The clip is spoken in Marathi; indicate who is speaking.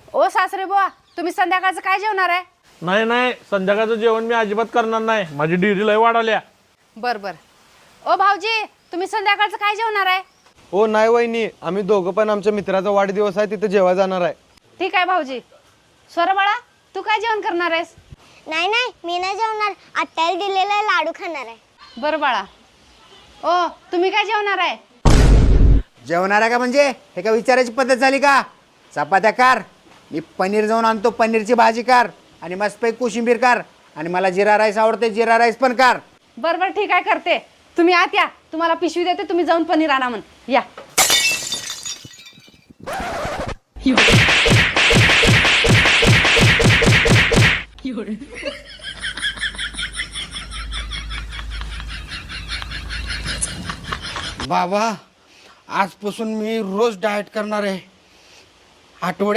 Speaker 1: ओ सासरे बुवा, तुम्ही संध्याकाळचं काय जेवणार आहे?
Speaker 2: नाही नाही, संध्याकाळचं जेवण मी अजिबात करणार नाही. माझी डिरी लय वाढवल्या.
Speaker 1: बर बर. ओ भाऊजी, तुम्ही संध्याकाळचं काय जेवणार आहे?
Speaker 3: हो नाही वहिनी, आम्ही दोघं पण आमच्या मित्राचा वाढदिवस आहे, तिथे जेवायला जाणार आहे.
Speaker 1: ठीक आहे भाऊजी. स्वर बाळा, तू काय जेवण करणार आहेस?
Speaker 4: नाही नाही, मी नाही जेवणार. आत्याला दिलेला लाडू खाणार आहे.
Speaker 1: बरं बाळा. ओ, तुम्ही काय जेवणार आहे?
Speaker 5: जेवणार आहे का म्हणजे हे का विचारायची पद्धत झाली का? चपात्या कार, मी पनीर जाऊन आणतो, पनीरची भाजी कार आणि मस्तपैकी कोशिंबीर कार आणि मला जिरा राईस आवडते, जिरा राईस पण कार.
Speaker 1: बरं बरं, ठीक आहे, करते. तुम्ही आत या, तुम्हाला पिशवी देते, तुम्ही जाऊन पनीर आणा म्हण. या.
Speaker 6: बाबा, आजपासून मी रोज डाएट करणार आहे.